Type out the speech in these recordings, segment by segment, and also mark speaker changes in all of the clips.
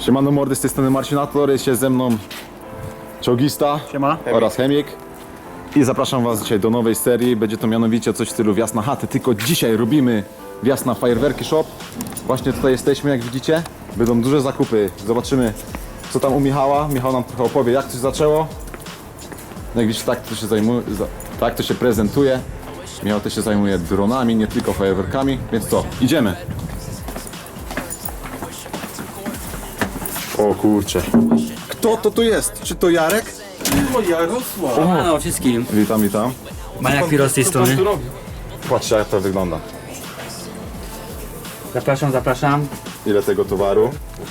Speaker 1: Siemano mordy, z tej strony Marcinator, jest się ze mną Czołgista.
Speaker 2: Siema.
Speaker 1: Oraz Chemik. I zapraszam was dzisiaj do nowej serii. Będzie to mianowicie coś w stylu wjazd na chatę, tylko dzisiaj robimy wjazd na Fajerwerki Shop. Właśnie tutaj jesteśmy, jak widzicie. Będą duże zakupy. Zobaczymy, co tam u Michała. Michał nam trochę opowie, jak to się zaczęło. Jak widzicie, tak to się zajmuje, tak to się prezentuje. Michał też się zajmuje dronami, nie tylko fajerwerkami. Więc co, idziemy. O kurcze. Kto to tu jest? Czy to Jarek?
Speaker 3: O, Jarosław!
Speaker 2: Halo wszystkim.
Speaker 1: Witam, witam.
Speaker 2: Maniak Piro z tej strony.
Speaker 1: Patrzcie, jak to wygląda.
Speaker 2: Zapraszam, zapraszam.
Speaker 1: Ile tego towaru.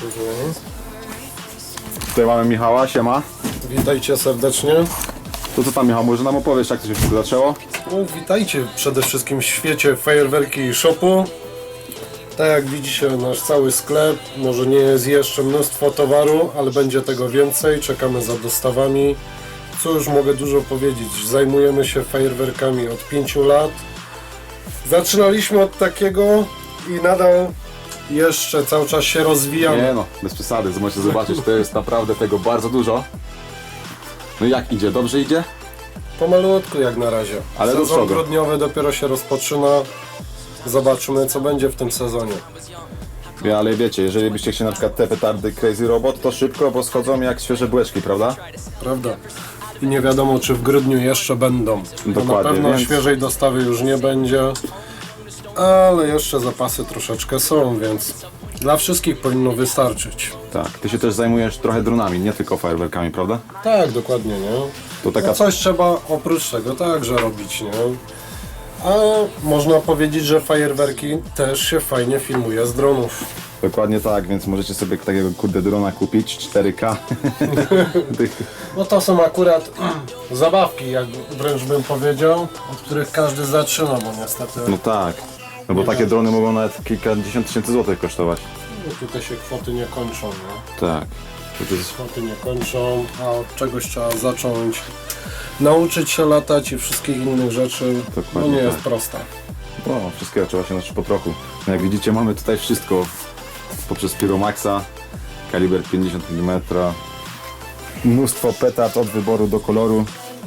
Speaker 1: Tutaj mamy Michała, siema.
Speaker 3: Witajcie serdecznie.
Speaker 1: To co tam, Michał, może nam opowiesz, jak to się wszystko zaczęło?
Speaker 3: No, witajcie przede wszystkim w świecie fajerwerki shopu. Tak jak widzicie, nasz cały sklep, może nie jest jeszcze mnóstwo towaru, ale będzie tego więcej, czekamy za dostawami. Co już mogę dużo powiedzieć, zajmujemy się fajerwerkami od 5 lat. Zaczynaliśmy od takiego i nadal jeszcze cały czas się rozwijamy.
Speaker 1: Nie no, bez przesady, możecie zobaczyć, to jest naprawdę tego bardzo dużo. No i jak idzie? Dobrze idzie?
Speaker 3: Pomalutku jak na razie.
Speaker 1: Ale do
Speaker 3: Sezon
Speaker 1: przodu.
Speaker 3: grudniowy dopiero się rozpoczyna. Zobaczymy, co będzie w tym sezonie.
Speaker 1: Ale wiecie, jeżeli byście chcieli na przykład te petardy Crazy Robot, to szybko, bo schodzą jak świeże bułeczki, prawda?
Speaker 3: Prawda? I nie wiadomo, czy w grudniu jeszcze będą. To na
Speaker 1: Dokładnie,
Speaker 3: pewno
Speaker 1: więc-
Speaker 3: świeżej dostawy już nie będzie. Ale jeszcze zapasy troszeczkę są, więc dla wszystkich powinno wystarczyć.
Speaker 1: Tak, ty się też zajmujesz trochę dronami, nie tylko fajerwerkami, prawda?
Speaker 3: Tak, dokładnie, nie?
Speaker 1: To taka...
Speaker 3: No coś trzeba oprócz tego także robić, nie? A można powiedzieć, że fajerwerki też się fajnie filmuje z dronów.
Speaker 1: Dokładnie tak, więc możecie sobie takiego kurde drona kupić, 4K.
Speaker 3: No to są akurat zabawki, jak wręcz bym powiedział, od których każdy zaczyna, bo niestety
Speaker 1: No tak, no bo takie drony mogą nawet kilkadziesiąt tysięcy złotych kosztować.
Speaker 3: no, tutaj się kwoty nie kończą, nie?
Speaker 1: Tak. To jest...
Speaker 3: Kwoty nie kończą, a od czegoś trzeba zacząć. Nauczyć się latać i wszystkich innych rzeczy, no
Speaker 1: Dokładnie
Speaker 3: nie
Speaker 1: tak.
Speaker 3: jest prosta.
Speaker 1: No, wszystkiego trzeba się nauczyć po trochu. No jak widzicie, mamy tutaj wszystko poprzez Piromaxa, kaliber 50 mm, mnóstwo petard od wyboru do koloru.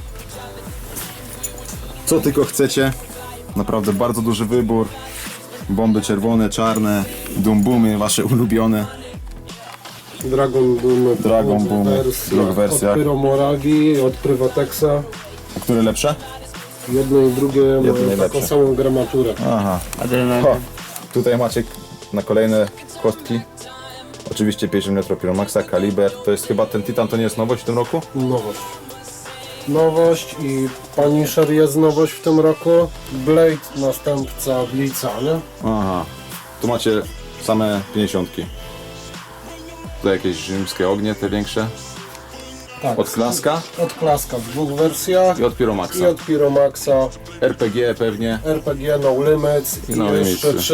Speaker 1: Co tylko chcecie, naprawdę bardzo duży wybór. Bomby czerwone, czarne, dumbumy, wasze ulubione.
Speaker 3: Dragon Boom,
Speaker 1: Dragon Boom, druga wersja.
Speaker 3: Od Pyromoragi, od Privatexa.
Speaker 1: A które lepsze?
Speaker 3: Jedno i drugie mają taką
Speaker 1: najlepsze.
Speaker 3: samą gramaturę.
Speaker 1: Aha.
Speaker 2: Adrenalina.
Speaker 1: O, tutaj macie na kolejne kostki. Oczywiście 50 mm Piromaxa, kaliber. To jest chyba ten Titan, to nie jest nowość w tym roku?
Speaker 3: Nowość. Nowość i Punisher jest nowość w tym roku. Blade, następca Blitza, nie?
Speaker 1: Aha. Tu macie same 50. Tu jakieś rzymskie ognie, te większe.
Speaker 3: Tak.
Speaker 1: Od Klaska
Speaker 3: Od Klaska w dwóch wersjach.
Speaker 1: i od Piromaxa.
Speaker 3: I od Pyromaxa.
Speaker 1: RPG pewnie.
Speaker 3: RPG No Limits i
Speaker 1: No
Speaker 3: jeszcze
Speaker 1: Limits.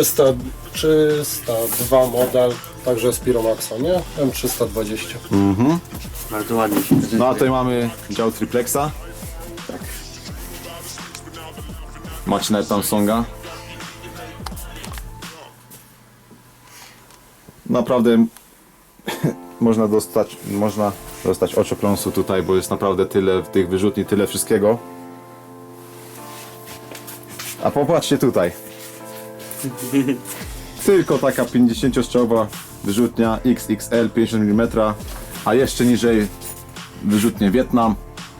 Speaker 3: 302 model, także z Pyromaxa, nie? M320.
Speaker 2: Bardzo ładnie się prezentuje.
Speaker 1: No a tutaj mamy dział triplexa. Macie nawet tam songa. Naprawdę można dostać oczopląsu tutaj, bo jest naprawdę tyle w tych wyrzutni, tyle wszystkiego. A popatrzcie tutaj. Tylko taka 50-strzałowa wyrzutnia XXL 50 mm, a jeszcze niżej wyrzutnie Wietnam.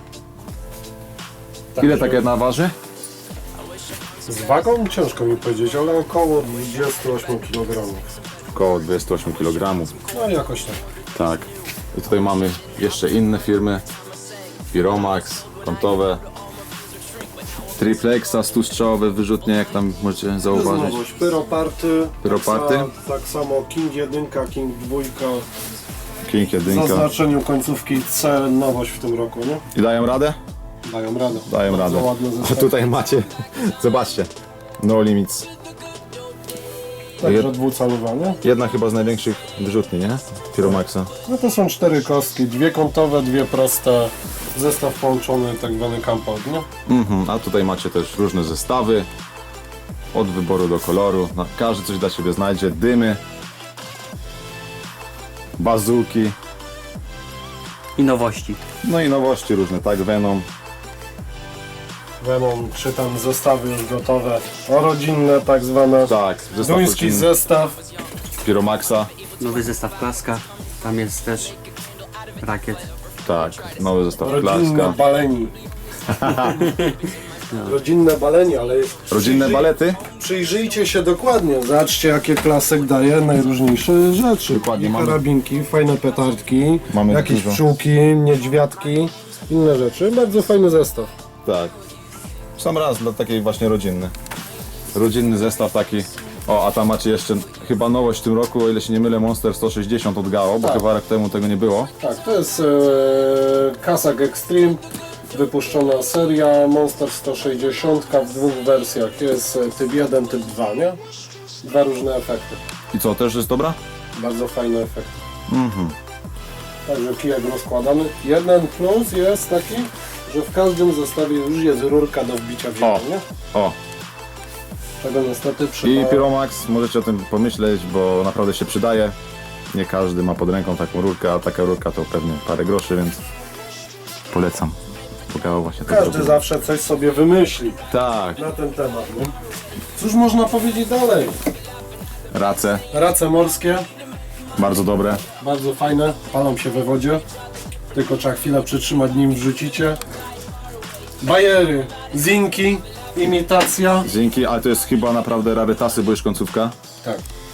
Speaker 1: Ile taka jedna waży?
Speaker 3: Z wagą ciężko mi powiedzieć, ale około 28 kg.
Speaker 1: Około 28 kg.
Speaker 3: No jakoś tak.
Speaker 1: Tak. I tutaj mamy jeszcze inne firmy. Piromax, kątowe. Triplexa, 100-strzałowe wyrzutnie, jak tam możecie zauważyć.
Speaker 3: Nowość, Pyroparty.
Speaker 1: Pyroparty?
Speaker 3: Tak samo King 1, King 2.
Speaker 1: King
Speaker 3: W
Speaker 1: 1.
Speaker 3: zaznaczeniu końcówki C, nowość w tym roku, nie?
Speaker 1: I dają radę?
Speaker 3: Dają radę.
Speaker 1: Dają
Speaker 3: Bardzo
Speaker 1: radę.
Speaker 3: ładne
Speaker 1: A
Speaker 3: zestawy.
Speaker 1: tutaj macie, zobaczcie, No Limits.
Speaker 3: Także dwucalowa, nie?
Speaker 1: Jedna chyba z największych wyrzutni, nie? Piromaxa.
Speaker 3: No to są 4 kostki, 2 kątowe, 2 proste. Zestaw połączony, tak zwany compound, nie?
Speaker 1: A tutaj macie też różne zestawy. Od wyboru do koloru. Każdy coś dla siebie znajdzie. Dymy. bazuki,
Speaker 2: I nowości.
Speaker 1: no i nowości różne, tak, Venom.
Speaker 3: Venom, czy tam zestawy już gotowe, rodzinne tak zwane.
Speaker 1: Tak, zestaw
Speaker 3: Duński
Speaker 1: rodzinny,
Speaker 3: zestaw.
Speaker 1: Piromaxa,
Speaker 2: Nowy zestaw Klaska. Tam jest też rakiet.
Speaker 1: tak, nowy zestaw
Speaker 3: Rodzinne
Speaker 1: Klaska.
Speaker 3: baleni. Rodzinne baleni, ale
Speaker 1: Rodzinne
Speaker 3: przyjrzyj-
Speaker 1: balety?
Speaker 3: Przyjrzyjcie się dokładnie. Zobaczcie, jakie Klasek daje najróżniejsze rzeczy.
Speaker 1: Dokładnie,
Speaker 3: I
Speaker 1: mamy-
Speaker 3: karabinki, fajne petardki,
Speaker 1: Mamy
Speaker 3: jakieś
Speaker 1: dużo.
Speaker 3: pszczółki, niedźwiadki, inne rzeczy. Bardzo fajny zestaw.
Speaker 1: Tak. W sam raz dla takiej właśnie rodzinny. Rodzinny zestaw taki. O, a tam macie jeszcze chyba nowość w tym roku, o ile się nie mylę, Monster 160 od Gao, bo
Speaker 3: Tak.
Speaker 1: chyba rok temu tego nie było.
Speaker 3: Tak, to jest Kazak Extreme, wypuszczona seria Monster 160 w dwóch wersjach. Jest typ 1, typ 2, nie? Dwa różne efekty.
Speaker 1: I co, też jest dobra?
Speaker 3: Bardzo fajne efekty. Także kijek rozkładany. Jeden plus jest taki, że w każdym zestawie już jest rurka do wbicia w ziemię,
Speaker 1: O.
Speaker 3: nie?
Speaker 1: O,
Speaker 3: Czego niestety
Speaker 1: i
Speaker 3: przydaje.
Speaker 1: Pyromax, możecie o tym pomyśleć, bo naprawdę się przydaje. Nie każdy ma pod ręką taką rurkę, a taka rurka to pewnie parę groszy, więc polecam. Bo Gao właśnie to
Speaker 3: Każdy
Speaker 1: zrobił.
Speaker 3: zawsze coś sobie wymyśli
Speaker 1: Tak,
Speaker 3: na ten temat, nie? Cóż można powiedzieć dalej?
Speaker 1: race,
Speaker 3: Race morskie,
Speaker 1: bardzo dobre.
Speaker 3: bardzo fajne, palą się we wodzie. Tylko trzeba chwilę przytrzymać, nim wrzucicie. Bajery, zinki, imitacja.
Speaker 1: Dzięki, ale to jest chyba naprawdę rarytasy, bo już końcówka.
Speaker 3: Tak.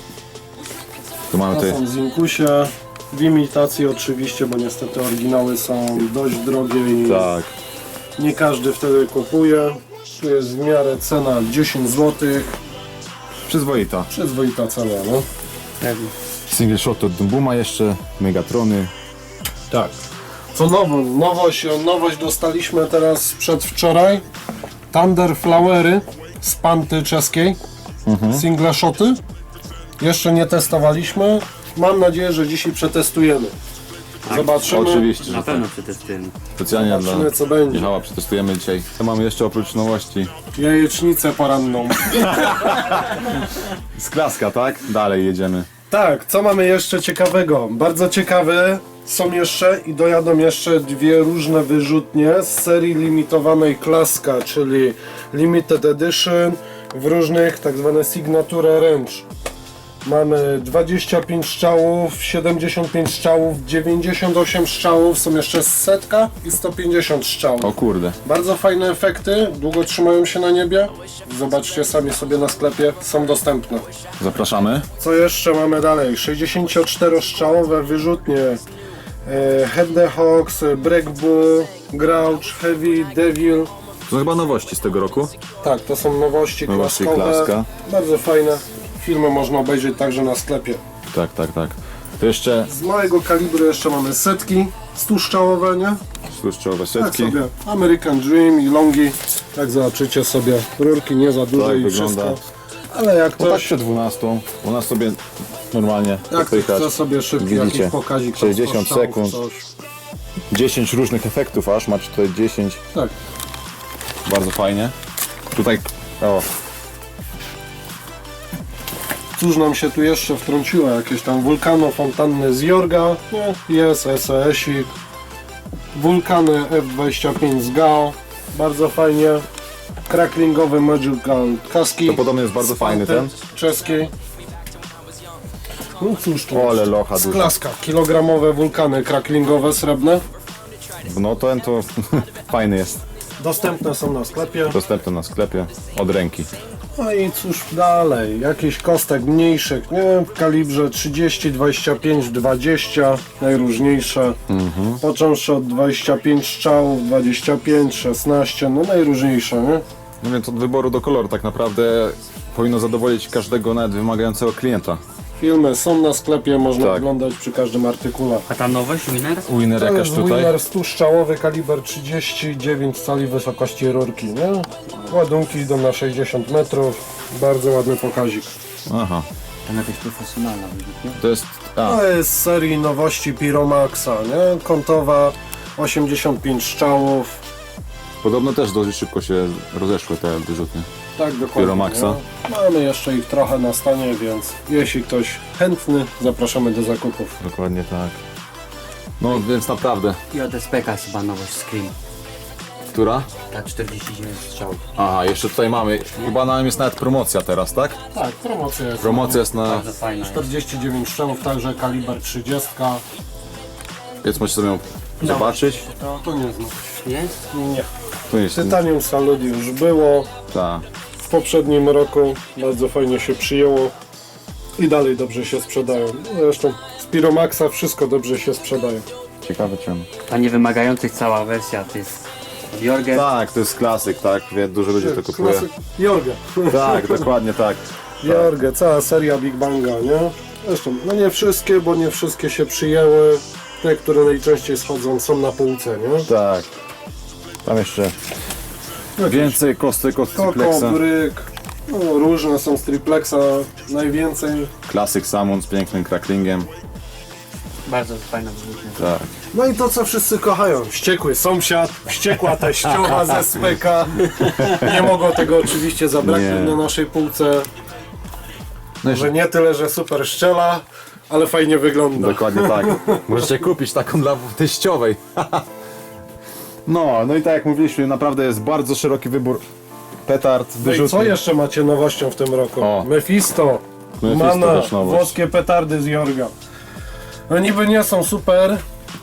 Speaker 1: Tu mamy
Speaker 3: To
Speaker 1: tutaj
Speaker 3: są zinkusie, w imitacji oczywiście, bo niestety oryginały są dość drogie i
Speaker 1: tak.
Speaker 3: nie każdy wtedy kupuje. Tu jest w miarę cena 10 zł,
Speaker 1: Przyzwoita.
Speaker 3: przyzwoita cena, no.
Speaker 2: Pewnie.
Speaker 1: Single shot od Dumbuma jeszcze, Megatrony.
Speaker 3: Tak. Co nowość dostaliśmy teraz przedwczoraj. Thunder Flowery z Panty czeskiej. Single shoty. Jeszcze nie testowaliśmy. Mam nadzieję, że dzisiaj przetestujemy. Zobaczymy.
Speaker 1: Oczywiście, że
Speaker 2: Na
Speaker 1: tak.
Speaker 2: pewno przetestujemy.
Speaker 1: Specjalnie
Speaker 3: Zobaczymy,
Speaker 1: dla
Speaker 3: co będzie.
Speaker 1: Michała przetestujemy dzisiaj. Co mamy jeszcze oprócz nowości?
Speaker 3: Jajecznicę poranną.
Speaker 1: Z Klaska, tak? Dalej jedziemy.
Speaker 3: Tak, co mamy jeszcze ciekawego? Bardzo ciekawe są jeszcze i dojadą jeszcze dwie różne wyrzutnie z serii limitowanej Klaska, czyli Limited Edition w różnych tak zwane Signature Range. Mamy 25 strzałów, 75 strzałów, 98 strzałów, są jeszcze setka i 150 strzałów.
Speaker 1: O kurde.
Speaker 3: Bardzo fajne efekty, długo trzymają się na niebie. Zobaczcie sami sobie na sklepie, są dostępne.
Speaker 1: Zapraszamy.
Speaker 3: Co jeszcze mamy dalej? 64-strzałowe wyrzutnie Head the Hawks, Break Bull, Grouch, Heavy, Devil.
Speaker 1: To chyba nowości z tego roku.
Speaker 3: Tak, to są nowości
Speaker 1: Nowości
Speaker 3: klaskowe.
Speaker 1: Klaska.
Speaker 3: Bardzo fajne. Filmy można obejrzeć także na sklepie.
Speaker 1: Tak, tak, tak. To jeszcze
Speaker 3: Z małego kalibru jeszcze mamy setki 100-strzałowe, nie?
Speaker 1: tłuszczowe
Speaker 3: Tak
Speaker 1: setki.
Speaker 3: sobie. American Dream i Longi. Tak zobaczycie sobie. Rurki nie za duże
Speaker 1: Tak
Speaker 3: i
Speaker 1: wygląda.
Speaker 3: wszystko. Ale jak
Speaker 1: No tak
Speaker 3: ktoś,
Speaker 1: przed 12. U nas sobie normalnie
Speaker 3: jak ktoś
Speaker 1: popychać.
Speaker 3: chce sobie szybki
Speaker 1: Widzicie,
Speaker 3: jakiś pokazik,
Speaker 1: 60
Speaker 3: 100 strzałów,
Speaker 1: sekund.
Speaker 3: coś.
Speaker 1: 10 różnych efektów aż, macie tutaj 10.
Speaker 3: Tak.
Speaker 1: Bardzo fajnie. Tutaj, o,
Speaker 3: Cóż nam się tu jeszcze wtrąciło? Jakieś tam wulkano, fontanny z Jorga, nie? Jest SES-ik. Wulkany F25 z Gao, bardzo fajnie. Cracklingowy Magical Kaski.
Speaker 1: to podobno jest bardzo
Speaker 3: z
Speaker 1: fajny
Speaker 3: Panty
Speaker 1: ten.
Speaker 3: czeskiej. No cóż tu
Speaker 1: O, ale
Speaker 3: jest?
Speaker 1: locha
Speaker 3: Z
Speaker 1: duża.
Speaker 3: Klaska. Kilogramowe wulkany cracklingowe srebrne.
Speaker 1: No ten to fajny jest.
Speaker 3: Dostępne są na sklepie.
Speaker 1: Dostępny na sklepie od ręki.
Speaker 3: No i cóż dalej, jakichś kostek mniejszych, nie? W kalibrze 30, 25, 20, najróżniejsze. Począwszy od 25 strzałów, 25, 16, no najróżniejsze, nie?
Speaker 1: No więc od wyboru do koloru tak naprawdę powinno zadowolić każdego nawet wymagającego klienta.
Speaker 3: Filmy są na sklepie, można
Speaker 1: Tak.
Speaker 3: oglądać przy każdym artykule.
Speaker 2: A ta nowość, Winner?
Speaker 1: Winner
Speaker 3: To
Speaker 1: jakaś
Speaker 3: jest
Speaker 1: tutaj.
Speaker 3: Winner 100-strzałowy, kaliber 39 cali wysokości rurki, nie? Ładunki idą na 60 metrów, bardzo ładny pokazik.
Speaker 1: Aha,
Speaker 2: Tam jakaś profesjonalna wyrzutnia.
Speaker 1: to jest... A,
Speaker 3: To jest z serii nowości Pyromaxa, nie? Kątowa, 85 strzałów.
Speaker 1: podobno też dość szybko się rozeszły te wyrzutnie.
Speaker 3: Tak, dokładnie.
Speaker 1: Pyromaxa.
Speaker 3: No. Mamy jeszcze ich trochę na stanie, więc jeśli ktoś chętny, zapraszamy do zakupów.
Speaker 1: Dokładnie tak. No więc naprawdę.
Speaker 2: I od SPK jest chyba nowość Scream.
Speaker 1: Która?
Speaker 2: Ta 49 strzałów.
Speaker 1: Aha, jeszcze tutaj mamy. Chyba nam jest nawet promocja teraz, tak?
Speaker 3: Tak, promocja jest.
Speaker 1: Promocja jest na...
Speaker 2: Bardzo fajna jest.
Speaker 3: 49 strzałów, także kaliber 30.
Speaker 1: Więc możecie sobie ją zobaczyć.
Speaker 3: To nie znam.
Speaker 2: Jest?
Speaker 3: Nie.
Speaker 1: Tu jest...
Speaker 3: Tytanium Salud już było.
Speaker 1: Ta.
Speaker 3: W poprzednim roku bardzo fajnie się przyjęło. I dalej dobrze się sprzedają. Zresztą z Pyromaxa wszystko dobrze się sprzedaje.
Speaker 1: Ciekawe czemu.
Speaker 2: Ta niewymagających cała wersja to jest Jorgen.
Speaker 1: Tak, to jest klasyk, tak? Dużo ludzi to kupuje.
Speaker 3: Klasyk Jorge.
Speaker 1: Tak, dokładnie tak.
Speaker 3: Jorge, cała seria Big Banga, nie? Zresztą, no nie wszystkie, bo nie wszystkie się przyjęły. Te, które najczęściej schodzą, są na półce, nie?
Speaker 1: Tak. Tam jeszcze więcej kostek od
Speaker 3: Koko,
Speaker 1: Triplexa.
Speaker 3: Bryk, no różne są z Triplexa, najwięcej.
Speaker 1: Klasyk Samon z pięknym cracklingiem.
Speaker 2: Bardzo fajna wyrzutnia.
Speaker 1: Tak.
Speaker 3: No i to, co wszyscy kochają. Wściekły sąsiad, wściekła teściowa ze SPK. Nie mogło tego oczywiście zabraknąć
Speaker 1: Nie.
Speaker 3: na naszej półce.
Speaker 1: No
Speaker 3: Że nie tyle, że super szczela, ale fajnie wygląda.
Speaker 1: Dokładnie tak. Możecie kupić taką dla teściowej. No i tak jak mówiliśmy, naprawdę jest bardzo szeroki wybór petard,
Speaker 3: No i co
Speaker 1: wyrzutni.
Speaker 3: jeszcze macie nowością w tym roku?
Speaker 1: O.
Speaker 3: Mephisto.
Speaker 1: Mephisto
Speaker 3: Mana,
Speaker 1: też nowość.
Speaker 3: włoskie petardy z Jorga. No niby nie są super,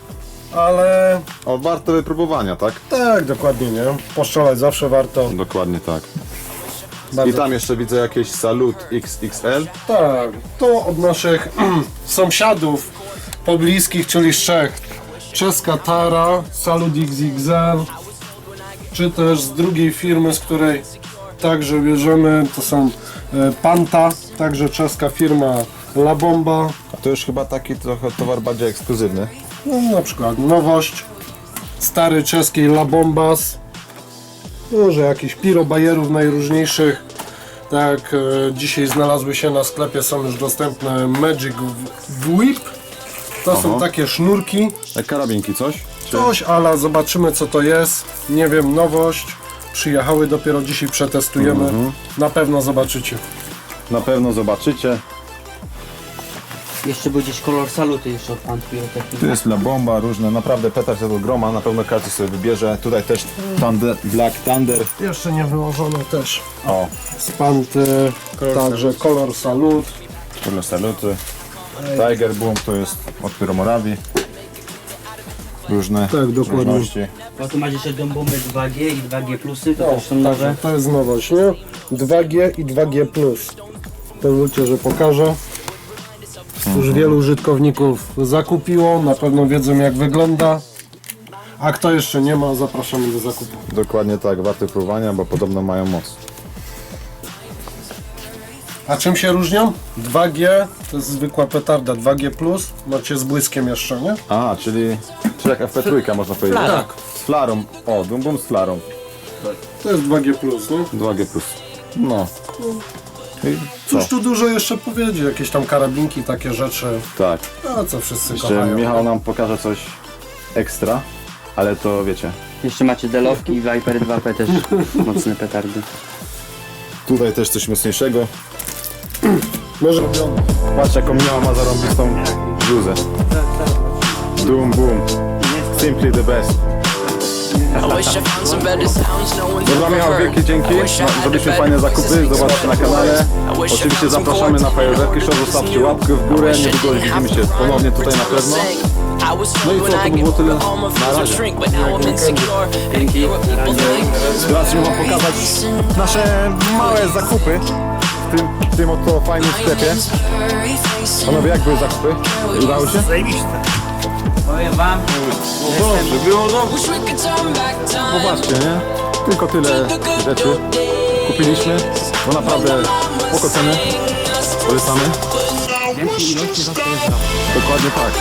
Speaker 3: ale
Speaker 1: O, warto wypróbowania, tak?
Speaker 3: tak, dokładnie, nie? Poszczelać zawsze warto.
Speaker 1: Dokładnie tak. I
Speaker 3: Bardzo.
Speaker 1: tam jeszcze widzę jakieś Salut XXL.
Speaker 3: Tak, to od naszych sąsiadów pobliskich, czyli z Czech. Czeska Tara, Salut XXL, czy też z drugiej firmy, z której także bierzemy, to są Panta, także czeska firma La Bomba.
Speaker 1: A to już chyba taki trochę towar bardziej ekskluzywny.
Speaker 3: No, na przykład nowość stary czeskiej La Bombas. Może jakichś pirobajerów najróżniejszych. Tak, dzisiaj znalazły się na sklepie, są już dostępne Magic Whip. To są takie sznurki.
Speaker 1: Jak karabinki, coś? Czy...
Speaker 3: Coś, ale zobaczymy co to jest. Nie wiem, nowość. Przyjechały dopiero dzisiaj, przetestujemy. Na pewno zobaczycie.
Speaker 1: Na pewno zobaczycie.
Speaker 2: Jeszcze był gdzieś kolor saluty jeszcze od Pan Pirotechniki.
Speaker 1: Tu jest La Bomba, różne, naprawdę petard tego groma, na pewno każdy sobie wybierze. Tutaj też Thunder, Black Thunder.
Speaker 3: Jeszcze nie wyłożone też.
Speaker 1: O,
Speaker 3: Z Panty, także kolor Salut.
Speaker 1: Kurde Saluty. Tiger Boom to jest od Pyromorawi. Różne
Speaker 3: Tak, dokładnie.
Speaker 1: różności.
Speaker 2: Bo tu masz jeszcze bomby 2G i 2G plusy, to
Speaker 3: O,
Speaker 2: też są nowe.
Speaker 3: także to jest nowość, nie? 2G i 2G+. Pozwólcie, że pokażę. Już wielu użytkowników zakupiło, na pewno wiedzą jak wygląda. A kto jeszcze nie ma, zapraszamy do zakupu.
Speaker 1: Dokładnie tak, warte próbowania, bo podobno mają moc.
Speaker 3: A czym się różnią? 2G to jest zwykła petarda, 2G+, macie z błyskiem jeszcze, nie?
Speaker 1: A, czyli jak FP3 można powiedzieć.
Speaker 2: Flara.
Speaker 3: Tak.
Speaker 1: Z flarą. O, Boom Boom z flarą.
Speaker 3: To jest 2G+, nie?
Speaker 1: 2G+. No. I co?
Speaker 3: Cóż tu dużo jeszcze powiedzieć, jakieś tam karabinki, takie rzeczy.
Speaker 1: Tak.
Speaker 3: A co wszyscy
Speaker 1: Jeszcze
Speaker 3: kochają.
Speaker 1: Michał nam pokaże coś ekstra, ale to wiecie.
Speaker 2: Jeszcze macie delowki i Viper 2P też mocne petardy.
Speaker 1: Tutaj też coś mocniejszego.
Speaker 3: Może robione.
Speaker 1: Patrz jaką Michał ma zarąbistą bluzę. Doom Boom. Simply the best. Dobra Michał, wielkie dzięki. Zrobiliśmy fajne zakupy, zobaczcie na kanale. Oczywiście zapraszamy na fajerwerki show, zostawcie łapkę w górę, niedługo widzimy się ponownie tutaj na pewno. No i co, to by było tyle na razie.
Speaker 2: Dzięki.
Speaker 1: Teraz chciałbym wam pokazać nasze małe zakupy w tym oto fajnym sklepie. Panowie, jak były zakupy? Udało się?
Speaker 2: Powiem wam,
Speaker 1: Dobrze, było dobrze. Popatrzcie, nie? Tylko tyle rzeczy kupiliśmy, bo naprawdę spoko ceny. Polecamy.
Speaker 2: więcej ilości was to jest rok.
Speaker 1: Dokładnie tak.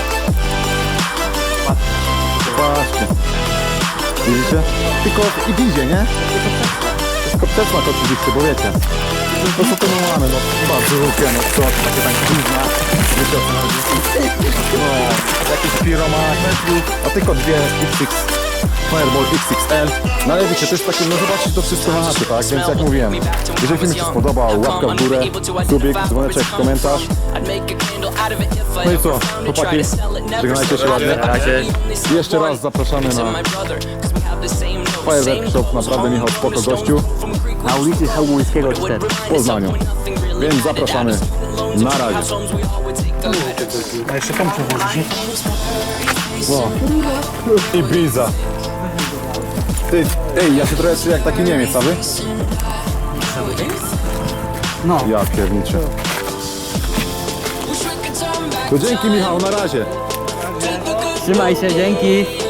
Speaker 1: Patrzcie. Widzicie? Tylko i idzie, nie? Tylko przesmak oczywiście, bo wiecie. To co to my mamy, no bardzo lubię, no co, to takie tam gówna. Wiecie o co chodzi? No, jakieś Pyromax, a tylko dwie XXL Fireball XXL. No ale wiecie, to jest takie, no zobaczyć to wszystko na chacie, tak? Więc jak mówiłem, jeżeli film się spodobał, łapka w górę, subik, dzwoneczek, komentarz. No i co, chłopaki, żegnajcie się ładnie. I jeszcze raz zapraszamy na Firework Shop, naprawdę Michał spoko gościu
Speaker 2: Na ulicy Chełmońskiego 4.
Speaker 1: w Poznaniu. Więc zapraszamy. Na razie.
Speaker 4: A jeszcze pomczę włożyć, nie?
Speaker 1: O. Ibiza. Ty, ej, ja się trochę czuję jak taki Niemiec, a wy?
Speaker 4: No.
Speaker 1: Ja pierniczę. To dzięki Michał, na razie.
Speaker 2: Trzymaj się, dzięki.